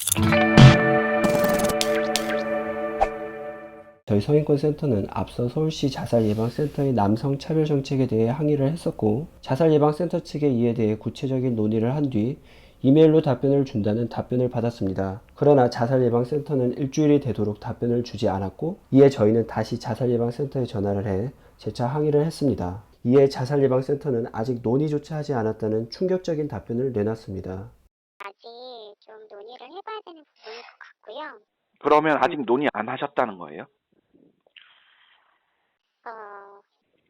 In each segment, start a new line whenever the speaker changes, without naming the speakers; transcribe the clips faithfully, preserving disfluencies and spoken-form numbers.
저희 성인권센터는 앞서 서울시 자살예방센터의 남성차별정책에 대해 항의를 했었고, 자살예방센터 측의 이에 대해 구체적인 논의를 한 뒤 이메일로 답변을 준다는 답변을 받았습니다. 그러나 자살예방센터는 일주일이 되도록 답변을 주지 않았고, 이에 저희는 다시 자살예방센터에 전화를 해 재차 항의를 했습니다. 이에 자살예방센터는 아직 논의조차 하지 않았다는 충격적인 답변을 내놨습니다.
아직 좀 논의를 해봐야 되는 부분일 것 같고요.
그러면 아직 논의 안 하셨다는 거예요?
어,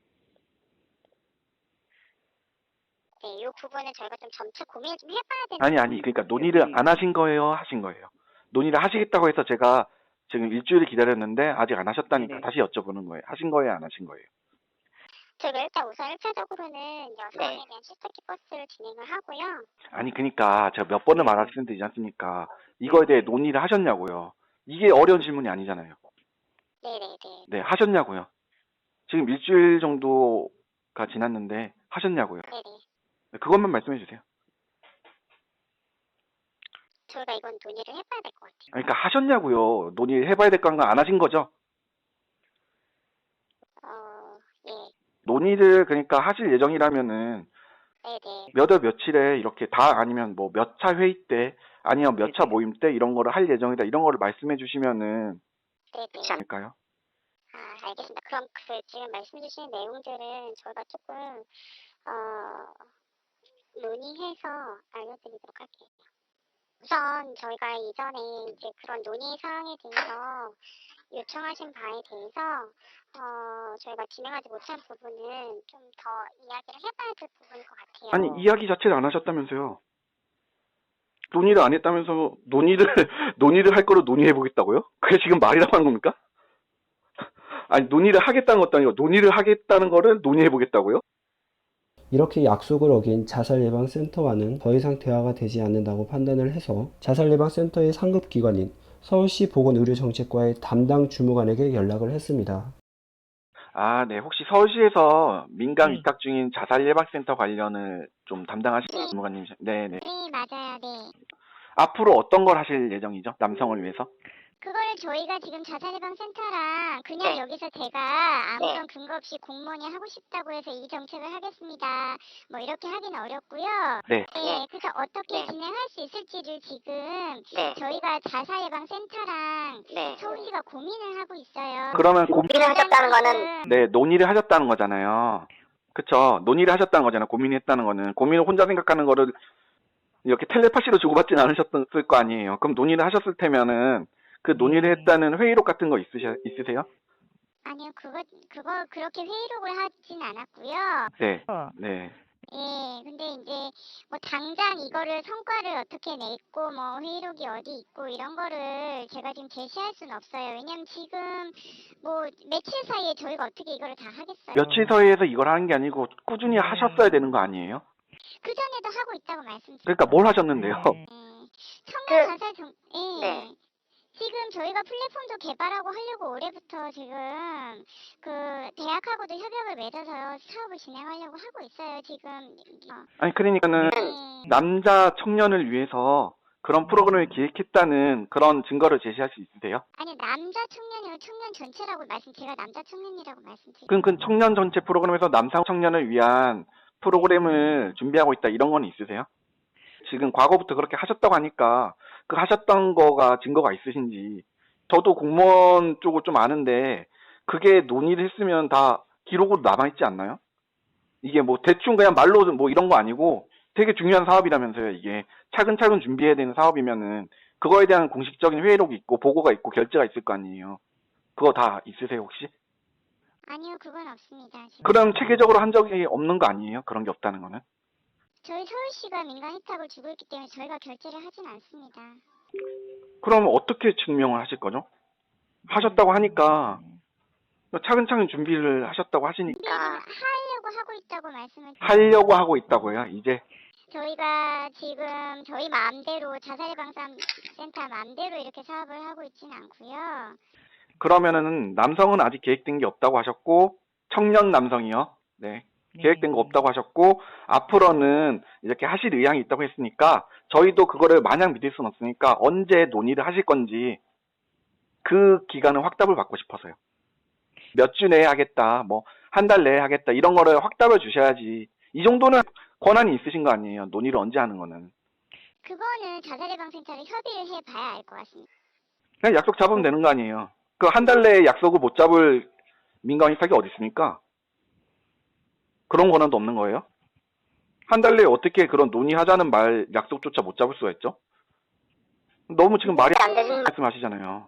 네, 이 부분은 저희가 좀 점차 고민을 좀 해봐야 되는.
아니 아니 그러니까 논의를 안 하신 거예요, 하신 거예요? 논의를 하시겠다고 해서 제가 지금 일주일을 기다렸는데 아직 안 하셨다니까
네네.
다시 여쭤보는 거예요. 하신 거예요, 안 하신 거예요?
저희가 일단 우선 일 차적으로는 여성에
네.
대한 시스터키 버스를 진행을 하고요.
아니 그러니까 제가 몇 번을
네.
말씀드리지 않습니까? 이거에 대해 논의를 하셨냐고요. 이게 어려운 질문이 아니잖아요.
네네네.
네, 하셨냐고요. 지금 일주일 정도가 지났는데 하셨냐고요.
네네.
네, 그것만 말씀해 주세요.
저희가 이건 논의를 해봐야 될 것 같아요.
그러니까 하셨냐고요. 논의를 해봐야 될 건가 안 하신 거죠?
어, 예.
논의를 그러니까 하실 예정이라면은
네네.
몇 월 며칠에 이렇게 다 아니면 뭐 몇 차 회의 때 아니면 몇 차 모임 때 이런 거를 할 예정이다 이런 거를 말씀해 주시면은
네네.
않을까요?
아, 알겠습니다. 그럼 그 지금 말씀 주신 내용들은 저희가 조금 어, 논의해서 알려드리도록 할게요. 우선 저희가 이전에 이제 그런 논의 사항에 대해서 요청하신 바에 대해서 어, 저희가 진행하지 못한 부분은 좀 더 이야기를 해봐야 될 부분인 것 같아요.
아니 이야기 자체를 안 하셨다면서요. 논의를 안 했다면서 논의를 논의를 할 거로 논의해 보겠다고요? 그게 지금 말이라고 하는 겁니까? 아니 논의를 하겠다는 것도 아니고 논의를 하겠다는 거를 논의해 보겠다고요?
이렇게 약속을 어긴 자살예방센터와는 더 이상 대화가 되지 않는다고 판단을 해서 자살예방센터의 상급기관인 서울시 보건의료정책과의 담당 주무관에게 연락을 했습니다.
아, 네. 혹시 서울시에서 민간
네.
위탁 중인 자살예방센터 관련을 좀 담당하시는 전문가님, 네, 네.
네, 맞아요. 네.
앞으로 어떤 걸 하실 예정이죠? 남성을 위해서?
그거를 저희가 지금 자살예방센터랑 그냥
네.
여기서 제가 아무런
네.
근거 없이 공무원이 하고 싶다고 해서 이 정책을 하겠습니다. 뭐 이렇게 하긴 어렵고요.
네.
네, 그래서 어떻게
네.
진행할 수 있을지를 지금
네.
저희가 자살예방센터랑
네.
서울시가 고민을 하고 있어요.
그러면 고,
고민을 하셨다는 거는
네, 논의를 하셨다는 거잖아요. 그쵸? 논의를 하셨다는 거잖아요. 고민했다는 거는. 고민을 혼자 생각하는 거를 이렇게 텔레파시로 주고받진 않으셨을 거 아니에요. 그럼 논의를 하셨을 테면은 그 논의를 했다는 회의록 같은 거 있으셔, 있으세요?
아니요, 그거 그거 그렇게 회의록을 하진 않았고요.
네. 네.
예, 근데 이제 뭐 당장 이거를 성과를 어떻게 냈고 뭐 회의록이 어디 있고 이런 거를 제가 지금 제시할 수는 없어요. 왜냐면 지금 뭐 며칠 사이에 저희가 어떻게 이거를 다 하겠어요.
며칠 사이에서 이걸 하는 게 아니고 꾸준히 하셨어야 되는 거 아니에요?
그 전에도 하고 있다고 말씀드렸어요.
그러니까 뭘 하셨는데요?
예, 청년
그-
자살 정, 예.
네.
지금 저희가 플랫폼도 개발하고 하려고 올해부터 지금 그 대학하고도 협약을 맺어서 사업을 진행하려고 하고 있어요. 지금. 어,
아니 그러니까는
예.
남자 청년을 위해서 그런 프로그램을 기획했다는 그런 증거를 제시할 수 있으세요?
아니 남자 청년이고 청년 전체라고 말씀 제가 남자 청년이라고 말씀드렸어요.
그럼 그 청년 전체 프로그램에서 남성 청년을 위한 프로그램을 준비하고 있다 이런 건 있으세요? 지금 과거부터 그렇게 하셨다고 하니까 그 하셨던 거가 증거가 있으신지. 저도 공무원 쪽을 좀 아는데 그게 논의를 했으면 다 기록으로 남아있지 않나요? 이게 뭐 대충 그냥 말로 뭐 이런 거 아니고 되게 중요한 사업이라면서요. 이게 차근차근 준비해야 되는 사업이면은 그거에 대한 공식적인 회의록이 있고 보고가 있고 결제가 있을 거 아니에요. 그거 다 있으세요 혹시?
아니요, 그건 없습니다. 지금.
그럼 체계적으로 한 적이 없는 거 아니에요? 그런 게 없다는 거는?
저희 서울시가 민간 혜택을 주고 있기 때문에 저희가 결제를 하진 않습니다.
그럼 어떻게 증명을 하실 거죠? 하셨다고 하니까 차근차근 준비를 하셨다고 하시니까
준비 지금 하려고 하고 있다고 말씀을 드렸어요.
하려고 하고 있다고요. 이제
저희가 지금 저희 마음대로 자살예방센터 마음대로 이렇게 사업을 하고 있지는 않고요.
그러면은 남성은 아직 계획된 게 없다고 하셨고 청년 남성이요. 네.
네.
계획된 거 없다고 하셨고, 앞으로는 이렇게 하실 의향이 있다고 했으니까, 저희도 그거를 마냥 믿을 수는 없으니까, 언제 논의를 하실 건지, 그 기간을 확답을 받고 싶어서요. 몇 주 내에 하겠다, 뭐, 한 달 내에 하겠다, 이런 거를 확답을 주셔야지. 이 정도는 권한이 있으신 거 아니에요. 논의를 언제 하는 거는.
그거는 자살예방센터를 협의를 해봐야 알 것 같습니다.
그냥 약속 잡으면 되는 거 아니에요. 그 한 달 내에 약속을 못 잡을 민간 위탁이 어디 있습니까? 그런 권한도 없는 거예요? 한 달 내에 어떻게 그런 논의하자는 말 약속조차 못 잡을 수가 있죠? 너무 지금 말이
안 되는
말씀하시잖아요.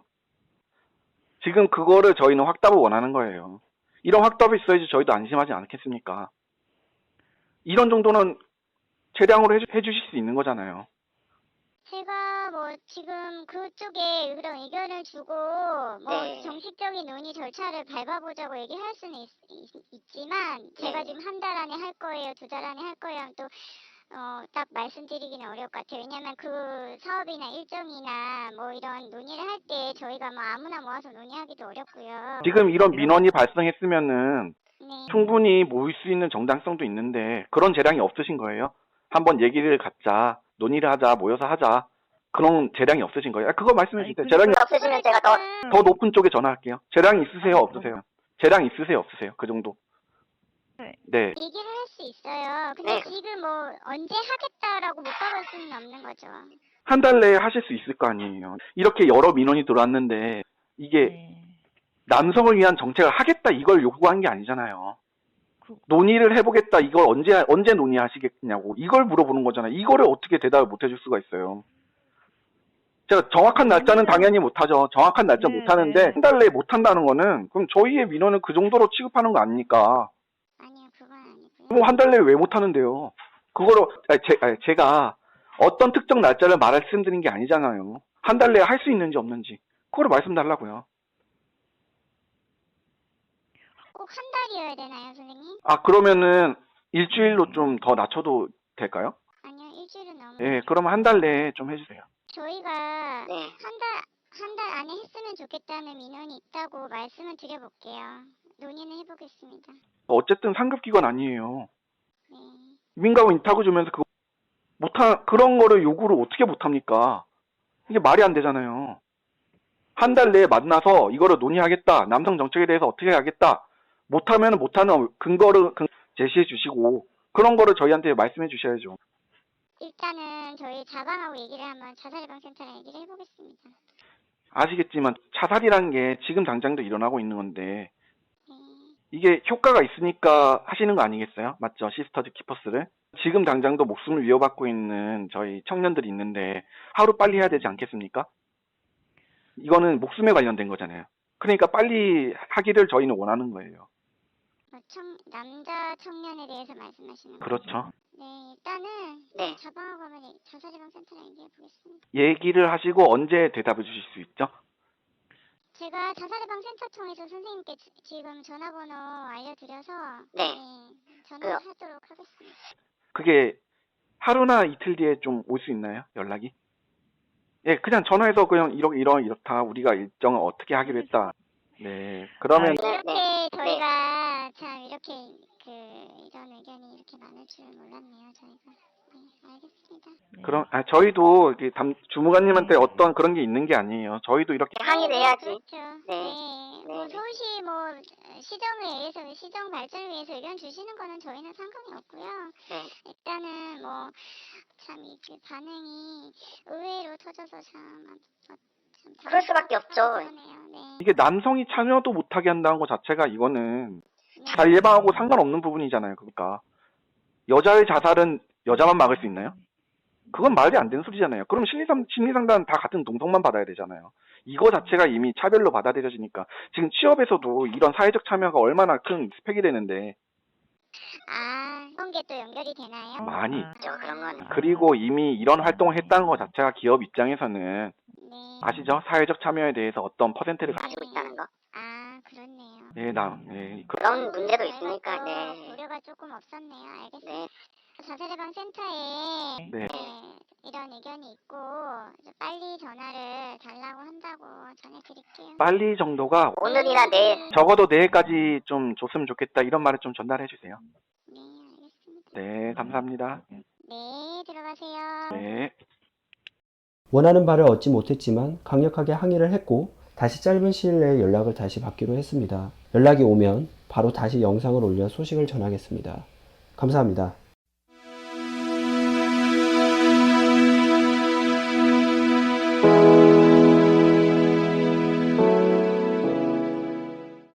지금 그거를 저희는 확답을 원하는 거예요. 이런 확답이 있어야지 저희도 안심하지 않겠습니까? 이런 정도는 최대한으로 해주, 해주실 수 있는 거잖아요.
제가 뭐 지금 그쪽에 그런 의견을 주고 뭐
네.
정식적인 논의 절차를 밟아보자고 얘기할 수는 있, 지만 제가
네.
지금 한 달 안에 할 거예요, 두 달 안에 할 거예요 하면 또 어, 딱 말씀드리기는 어려울 것 같아요. 왜냐면 그 사업이나 일정이나 뭐 이런 논의를 할 때 저희가 뭐 아무나 모아서 논의하기도 어렵고요.
지금 이런 민원이 발생했으면은
네.
충분히 모일 수 있는 정당성도 있는데 그런 재량이 없으신 거예요. 한번 얘기를 갖자, 논의를 하자, 모여서 하자. 그런 재량이 없으신 거예요. 아, 그거 말씀해
아니,
주세요.
그러니까-
재량이
없으시면 제가 더
더 높은 쪽에 전화할게요. 재량이 있으세요, 없으세요? 재량 있으세요, 없으세요? 그 정도.
네.
네.
얘기를 할 수 있어요. 근데
네.
지금 뭐 언제 하겠다라고 못 박을 수는 없는 거죠.
한 달 내에 하실 수 있을 거 아니에요. 이렇게 여러 민원이 들어왔는데 이게
네.
남성을 위한 정책을 하겠다 이걸 요구한 게 아니잖아요.
그-
논의를 해보겠다 이걸 언제 언제 논의하시겠냐고 이걸 물어보는 거잖아요. 이거를 어떻게 대답을 못 해줄 수가 있어요. 제가 정확한 날짜는 당연히 못하죠. 정확한 날짜
네,
못하는데
네.
한 달 내에 못한다는 거는 그럼 저희의 민원을 그 정도로 취급하는 거 아닙니까?
아니요, 그건 아니고요.
뭐 한 달 내에 왜 못하는데요? 그거로 아니, 제, 아니, 제가 어떤 특정 날짜를 말씀드린 게 아니잖아요. 한 달 내에 할 수 있는지 없는지 그거를 말씀 달라고요.
꼭 한 달이어야 되나요, 선생님?
아 그러면은 일주일로 좀 더 낮춰도 될까요?
아니요, 일주일은 너무.
예, 그러면 한 달 내에 좀 해주세요.
저희가
네.
한 달, 한 달 안에 했으면 좋겠다는 민원이 있다고 말씀을 드려볼게요. 논의는 해보겠습니다.
어쨌든 상급기관 아니에요.
네.
민가고 인타고 주면서 그거 못하 그런 거를 요구를 어떻게 못합니까? 이게 말이 안 되잖아요. 한 달 내에 만나서 이거를 논의하겠다. 남성 정책에 대해서 어떻게 하겠다. 못하면 못하는 근거를 근- 제시해 주시고 그런 거를 저희한테 말씀해 주셔야죠.
일단은 저희 자방하고 얘기를 한번 자살예방센터랑 얘기를 해보겠습니다.
아시겠지만 자살이라는 게 지금 당장도 일어나고 있는 건데
네.
이게 효과가 있으니까 하시는 거 아니겠어요? 맞죠? 시스터즈 키퍼스를. 지금 당장도 목숨을 위협받고 있는 저희 청년들이 있는데 하루 빨리 해야 되지 않겠습니까? 이거는 목숨에 관련된 거잖아요. 그러니까 빨리 하기를 저희는 원하는 거예요.
어, 청, 남자 청년에 대해서 말씀하시는 거죠?
그렇죠.
네, 일단은
네.
자방하고 한번 얘기- 자살예방센터랑 얘기해보겠습니다.
얘기를 하시고 언제 대답을 주실 수 있죠?
제가 자살예방센터 통해서 선생님께 지- 지금 전화번호 알려드려서
네.
전화하도록 하겠습니다.
그게 하루나 이틀 뒤에 좀 올 수 있나요? 연락이? 예, 그냥 전화해서 그냥 이러, 이러, 이렇다. 우리가 일정을 어떻게 하기로 했다. 네. 그러면
네,
이렇게
네,
저희가 참 이렇게 그 이런 의견이 이렇게 많을 줄 몰랐네요, 저희가. 네, 알겠습니다.
네.
그럼 아, 저희도 이렇게 담, 주무관님한테
네.
어떤 그런 게 있는 게 아니에요. 저희도 이렇게
항의를
네,
해야지.
그렇죠.
네.
네. 뭐
네.
서울시 뭐 시정을 위해서 시정 발전을 위해서 의견 주시는 거는 저희는 상관이 없고요.
네.
일단은 뭐 참 이게 반응이 의외로 터져서 참, 어, 참
그럴 수밖에 없죠.
그러네요. 네.
이게 남성이 참여도 못하게 한다는 것 자체가 이거는
네.
자살 예방하고 상관없는 부분이잖아요. 그러니까 여자의 자살은 여자만 막을 수 있나요? 그건 말이 안 되는 소리잖아요. 그럼 심리상, 심리상담 다 같은 동성만 받아야 되잖아요. 이거 자체가 이미 차별로 받아들여지니까 지금 취업에서도 이런 사회적 참여가 얼마나 큰 스펙이 되는데
아, 그런 게 또 연결이 되나요?
많이
아,
저 그런 건.
그리고 이미 이런 활동을 했다는 것 자체가 기업 입장에서는
네.
아시죠? 사회적 참여에 대해서 어떤 퍼센트를 가...
가지고 있다는 거.
아, 그렇네요.
네, 나, 네, 그-
그런 문제도
저희가
있으니까.
또
네.
고려가 조금 없었네요. 알겠습니다.
네.
자살예방센터에
네.
네, 이런 의견이 있고 이제 빨리 전화를 달라고 한다고 전해드릴게요.
빨리 정도가
오늘이나 내일.
적어도 내일까지 좀 줬으면 좋겠다 이런 말을 좀 전달해 주세요.
네,
네, 감사합니다.
네, 들어가세요.
네.
원하는 바를 얻지 못했지만 강력하게 항의를 했고 다시 짧은 시일 내에 연락을 다시 받기로 했습니다. 연락이 오면 바로 다시 영상을 올려 소식을 전하겠습니다. 감사합니다.